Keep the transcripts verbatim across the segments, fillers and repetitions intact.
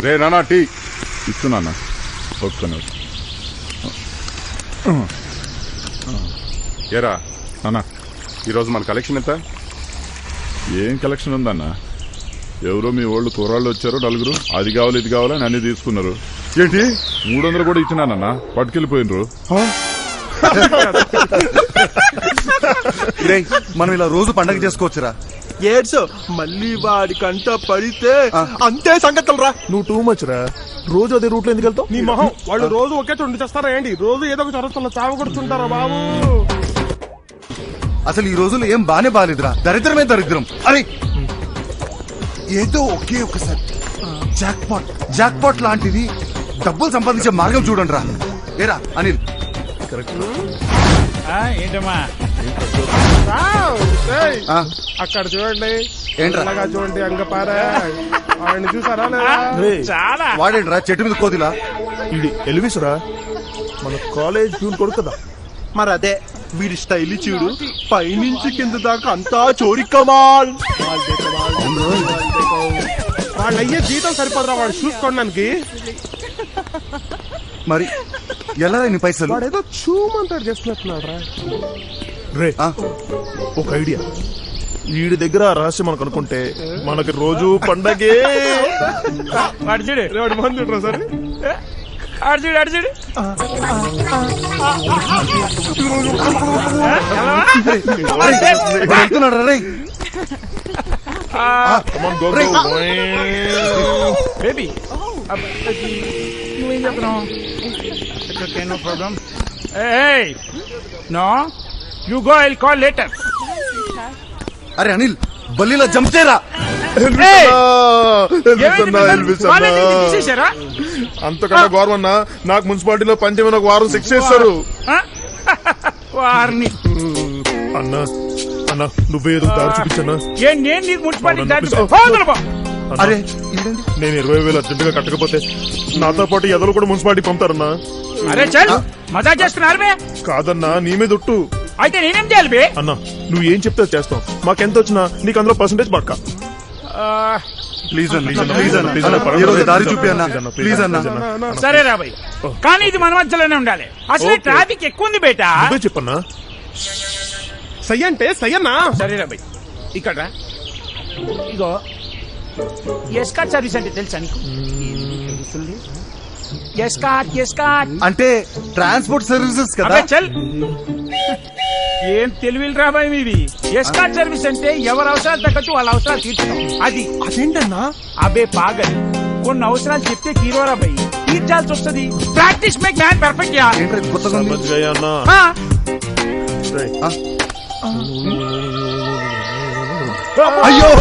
రే నానా టీ ఇస్తున్నా ఒప్పుకున్నా. ఏరా నానా ఈరోజు మన కలెక్షన్ ఎంత? ఏం కలెక్షన్ ఉందన్నా? ఎవరో మీ వాళ్ళు కూరాళ్ళు వచ్చారు నలుగురు, అది కావాలి ఇది కావాలని అన్ని తీసుకున్నారు. ఏంటి మూడు వందలు కూడా ఇచ్చినానన్నా, పట్టుకెళ్ళిపోయినరు. మనం ఇలా రోజు పండగ చేసుకోవచ్చురా. ఏడ్సో మళ్ళీ వాడి కంట పడితే అంతే సంగతులు రా. నువ్వు టూ మచ్ రా. రోజు అదే రూట్ లో ఎందుకు వెళ్తావు? నీ మొహం, వాళ్ళు రోజు ఒకే చోటు చేస్తారా ఏంటి? రోజు ఏదో ఒక చదువుతున్న చావ కొడుతుంటారా బాబు. అసలు ఈ రోజులు ఏం బానే బాలేదురా, దరిద్రమే దరిద్రం. అరే ఏదో ఒకే ఒకసారి జాక్ పాట్ జాక్ పాట్ లాంటిది డబ్బులు సంపాదించే మార్గం చూడండి రా. ఏరా అనిల్ ఏంటమ్మా అక్కడ చూడండి, ఏంట్రా చూడండి అంగపారా ఆయన చూసారా చాలా వాడేంట్రా చెట్టు మీద కోదిలా? ఇది ఎలివిస్ రా, మన కాలేజ్ ప్యూన్ కొడుకు కదా. మరి అదే వీడి స్టైల్ చూడు, పైనుంచి కింద దాకా అంతా చోరీ కమాల్. వాళ్ళు అయ్యే జీతం సరిపోదురా వాడు చూసుకోవడానికి. మరి ఎలా నీ పైసలు? వాడు ఏదో చూమంటాడు చేస్తున్నట్టున్నాడు రా. రే ఒక ఐడియా, వీడి దగ్గర రహస్యం మనకు అనుకుంటే మనకి రోజు పండగే. అడిచిడు వాడు మంది రా సరే అడిచిడు అడిచిడు వెళ్తున్నాడు రే. బేబీ నువ్వేం చెప్తున్నావు? No problem. No you go, I will call later. అరే అనిల్ బల్లిలా జంప్తేరా. అంతకన్నా గౌరవం నాకు మున్సిపాలిటీలో పంచమైన ఒక వారం శిక్ష చేస్తారు. వారిని అన్నా అన్నా నువ్వే ఏదో దారి చూపించన్నా. నేను నీకు మున్సిపాలిటీ అరే నేను ఇరవై వేలు అర్జెంట్ గా కట్టకపోతే నాతో పాటు ఎదలు కూడా మున్సిపాలిటీ పంపుతారన్నా. అరే చల్ మజా చేస్తున్నారు. కాదన్నా నీ మీద ఒట్టు. అయితే నేనేం చేయాలి బే? అన్నా నువ్వు ఏం చెప్తే చేస్తావు, మాకెంత వచ్చినా నీకు అందులో పర్సెంటేజ్ పక్క. ప్లీజ్ అన్న ప్లీజ్ అన్న ఈ రోజు దారి చూపి అన్న ప్లీజ్ అన్న. సరే రాబాయ్, కానీ ఇది మన మధ్యలోనే ఉండాలి. అసలు ట్రాఫిక్ ఎక్కువ ఉంది బేటా. చెప్పన్నా. సై అంటే సయ్యన్నా. సరే రాబాయ్ ఇక్కడ రా. ఇగో ఎస్కాట్ సర్వీస్ అంటే తెలుసా నీకు? ఎస్కాట్ ఎస్కాట్ అంటే ట్రాన్స్పోర్ట్ సర్వీసెస్ కదా. చల్ ఏం తెలివిలు రాబాయ్ మీవి. ఎస్కాట్ సర్వీస్ అంటే ఎవరి అవసరాలు తగ్గట్టు వాళ్ళ అవసరాలు తీర్చడం. అది అదేంటన్నా? అబే పాగల్, కొన్ని అవసరాలు చెప్తే హీరో రాబాయ్ తీర్చాల్సి వస్తుంది. Practice make man perfect. యా అయ్యో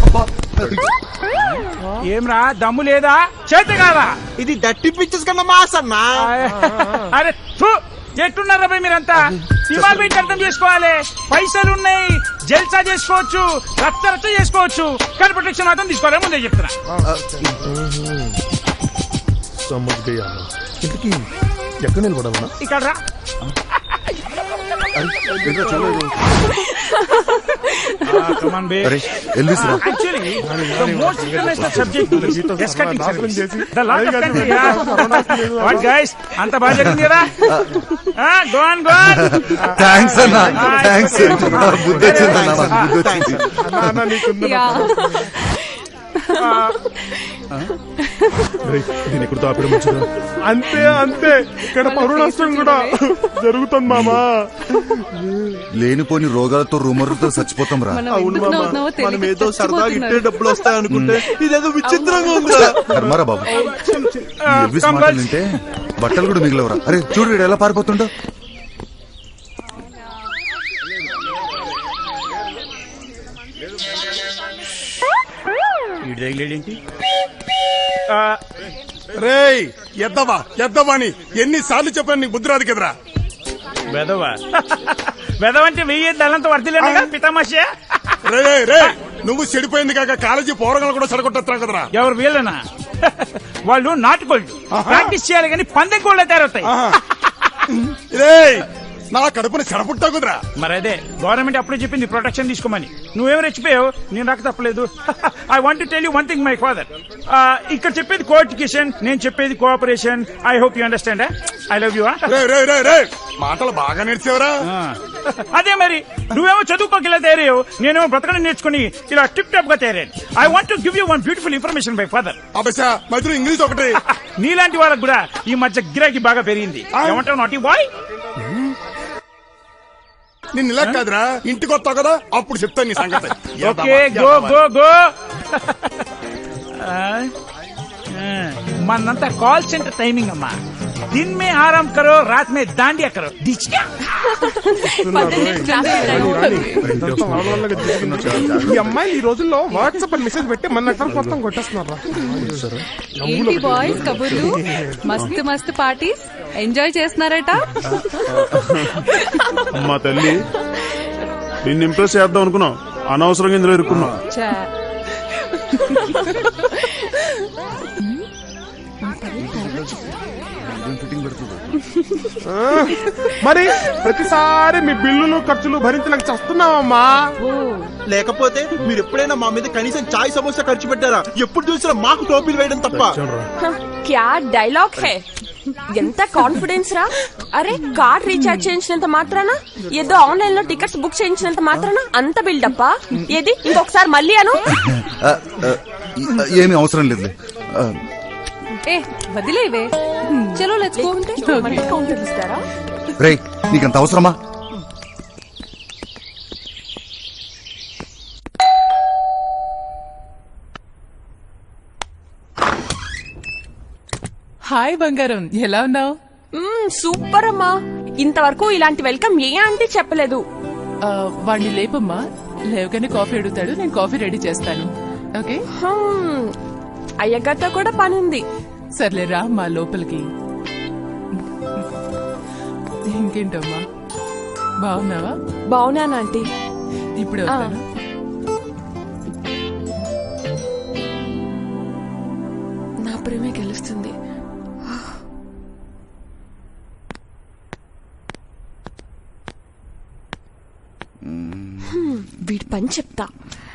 ఏమ్రా దమ్ము లేదా చేత కాదా? ఇది డట్టి పిక్చర్స్ కన్నా మాస్ అన్నా. అరే ఎట్టున్నారా భయ్ మీరంతా? సినిమాలు పెట్టి అర్థం చేసుకోవాలి. పైసలు ఉన్నాయి, జల్సా చేసుకోవచ్చు, రచ్చ రచ్చ చేసుకోవచ్చు, కానీ ప్రొటెక్షన్ మాత్రం తీసుకోవాలి. ముందే చెప్తున్నా. ఇంతకీ ఎక్కడ నిలబడాలన్నా? ఇక్కడ రా. Actually, the most interesting subject is escorting service. The lot of country, yeah. What guys? Anta baga jarindi kada? Ah, go on, go on. Thanks Anna. Thanks. Buddha chindana, Buddha chindi. Anna nikundana. అంతే అంతే ఇక్కడ పరువు నష్టం కూడా జరుగుతుంది మామా. లేనిపోని రోగాలతో రుమరుతో చచ్చిపోతాం రా. అవును మామా, మనం ఏదో సరదాగా ఇట్టే డబ్బులు వస్తాయి అనుకుంటే ఇదేదో విచిత్రంగా ఉంది. ధర్మారా బాబు, ఎల్విస్ మాటలు వింటే బట్టలు కూడా మిగిలవరా. అరే చూడు వీడు ఎలా పారిపోతుండో. రేయ్ ఎద్దవా ఎద్దవా అని ఎన్నిసార్లు చెప్పాను నీకు బుద్ధి రాదు కదరా. వెదవా వెదవంటే వెయ్యి దళంతో వర్దిలేనుగా పితామాషే. రే రే నువ్వు చెడిపోయింది కాక కాలేజీ పోరగాలు కూడా చెడగొట్టా కదరా. ఎవరు వీళ్ళనా? వాళ్ళు నాటుకోళ్ళు, ప్రాక్టీస్ చేయాలి కానీ పందెం కోళ్ళ తయారవుతాయి. రే నా కడుపుని చెడపుట్టా కుదరా. మరి అదే గవర్నమెంట్ అప్పుడే చెప్పింది ప్రొటెక్షన్ తీసుకోమని. నువ్వేం రెచ్చిపోయావు, నేను రాక తప్పలేదు. I want to tell you one thing my father. ఇక్కడ చెప్పేది కోఎడ్యుకేషన్, నేను చెప్పేది cooperation. I hope you understand. I love you. రే రే రే రే మాటలు బాగా నేర్చేవరా. అదే మరి నువ్వేమో చదువుకోకి ఇలా తయారయ్యావు, నేనేమో బ్రతకడం నేర్చుకుని ఇలా టిప్ టాప్ గా తయారయ్యాను. I want to give you one beautiful information my father. అబ్బా మధ్యలో ఇంగ్లీష్ ఒకటి. నీలాంటి వాళ్ళకు కూడా ఈ మధ్య గిరాకీ బాగా పెరిగింది. ఏమంటావు నాటి బాయ్? నిన్ను ఇలా కాదురా, ఇంటికి వస్తావు కదా అప్పుడు చెప్తాను నీ సంగతి. Okay go go go. మనంతా కాల్ సెంటర్ టైమింగ్ అమ్మా. दिन में आराम करो, रात में दांडिया करो. डिचका ఈ అమ్మాయిలు ఈ రోజుల్లో వాట్సాప్ అని మెసేజ్ పెట్టి మన నెట్వర్క్ మొత్తం కొట్టేస్తున్నారా? ఏంటి బాయ్స్ కబుర్లు? మస్తు మస్తు పార్టీస్ ఎంజాయ్ చేస్తున్నారట. అమ్మా తల్లి, నిన్ను ఇంప్రెస్ చేద్దాం అనుకున్నాం, అనవసరంగా ఇందులో ఇరుక్కున్నాం. ఛా. మరి ప్రతిసారి మీ బిల్లులు ఖర్చులు భరించలేక చస్తున్నావమ్మా. లేకపోతే మీరు ఎప్పుడైనా మా మీద కనీసం చాయ్ సమోసా ఖర్చు పెట్టారా? ఎప్పుడు చూసినా మాకు టోపీలు వేయడం తప్ప. క్యా డైలాగ్ హే, ఎంత కాన్ఫిడెన్స్ రా. అరే కార్డ్ రీఛార్జ్ చేయించినంత మాత్రాన, ఏదో ఆన్లైన్ లో టికెట్స్ బుక్ చేయించినంత మాత్రాన అంత బిల్డప్పా? ఏది ఇంకొకసారి మళ్ళీ అను. ఏమీ అవసరం లేదు. ఏ వదిలేవే, చలో లెట్స్ గో. కౌంటర్ ఇస్తారా? రే నీకంత అవసరమా? హాయ్ బంగారం, ఎలా ఉన్నావు? సూపర్ అమ్మా. ఇంతవరకు ఇలాంటి వెల్కమ్ ఏ ఆంటీ చెప్పలేదు. వాడిని లేపమ్మా, లేవగానే కాఫీ అడుగుతాడు, నేను కాఫీ రెడీ చేస్తాను. ఓకే హ్మ్, అయ్యగారితో కూడా పని ఉంది. సర్లే రా మా లోపలికి. ఇంకేంటమ్మా, బాగున్నావా? బాగున్నాను ఆంటీ. ఇప్పుడు వస్తాను. నా ప్రేమే గెలుస్తుంది. హ్మ్, వీడి పని చెప్తా.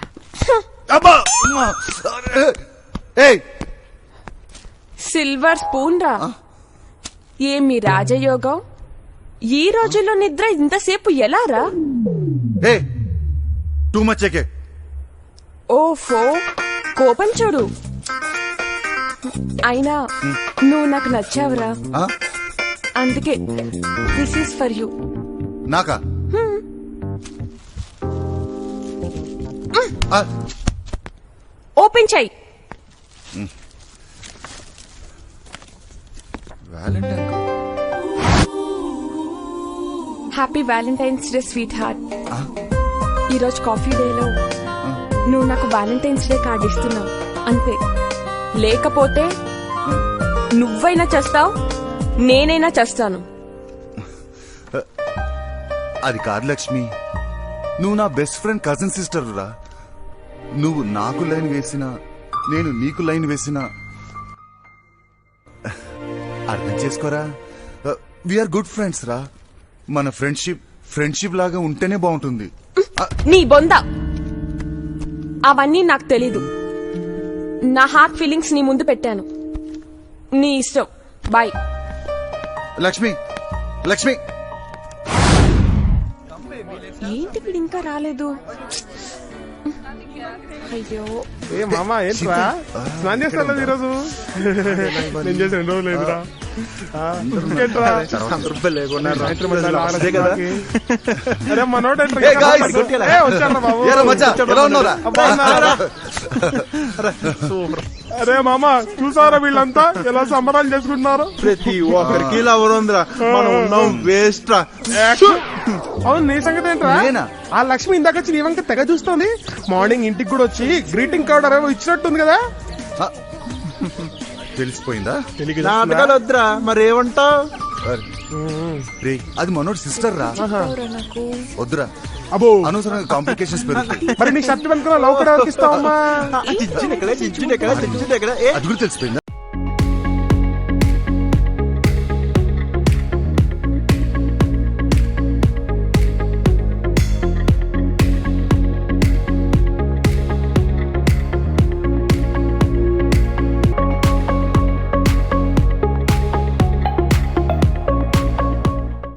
సిల్వర్ స్పూన్ రా. ఏమి రాజయోగం, ఈ రోజుల్లో నిద్ర ఇంతసేపు ఎలా రా? Too much AK. ఓఫో, కోపం చూడు. అయినా నువ్వు నాకు నచ్చావురా, అందుకే దిస్ ఈస్ ఫర్ యూ. నాకా? ఓపెన్ చెయ్యి. Happy valentine's day sweetheart. ఈరోజు కాఫీ డేలో నువ్వు నాకు వ్యాలంటైన్స్ డే కార్డు ఇస్తున్నావు అంతే. లేకపోతే నువ్వైనా చేస్తావు, నేనైనా చేస్తాను. అది కాదు లక్ష్మి, నువ్వు నా బెస్ట్ ఫ్రెండ్ కజిన్ సిస్టర్ రా. నువ్వు నాకు లైన్ వేసినా, నేను నీకు లైన్ వేసినా అర్థం చేసుకోరా. వీఆర్ గుడ్ ఫ్రెండ్స్ రా. మన ఫ్రెండ్షిప్ ఫ్రెండ్షిప్ లాగా ఉంటేనే బాగుంటుంది. నీ బొంద అవన్నీ నాకు తెలీదు. నా హార్ట్ ఫీలింగ్స్ నీ ముందు పెట్టాను. నీ ఇష్టం. బాయ్. లక్ష్మి లక్ష్మి ఏంటి వీడు ఇంకా రాలేదు? అయ్యో, ఏ మామా ఏంట్రా స్నానం చేస్తాను ఈరోజు? నేను చేసి రెండు రోజులు లేదురా. ఏంట్రా అరే మనోడు వచ్చారా బాబు? అరే మామా చూసారా వీళ్ళంతా ఎలా సంబరాలు చేసుకుంటున్నారు? ప్రతి ఒక్కరికి ఇలా ఎవరుందిరా, మనం ఉన్నాం వేస్ట్ రా. అవును, నీ సంగతి ఏంట్రా? ఆ లక్ష్మి ఇందాక వచ్చి నీ వంక తెగ చూస్తుంది. మార్నింగ్ ఇంటికి కూడా వచ్చి గ్రీటింగ్ కార్డ్ ఏమో ఇచ్చినట్టుంది కదా. తెలిసిపోయిందా? నాటకాలు వద్దురా, మరి ఏమంటావు? అది మనోడు సిస్టర్ రా. వద్దురా, అబ్బో అనవసరంగా కాంప్లికేషన్స్ పెరుగుతాయి. మరి నీ షర్ట్ వెనుక లవ్ కూడా ఇస్తావమ్మా? చిచ్చిన ఎక్కడ చిచ్చిన ఎక్కడ చిచ్చిన ఎక్కడ అది కూడా తెలిసిపోయిందా?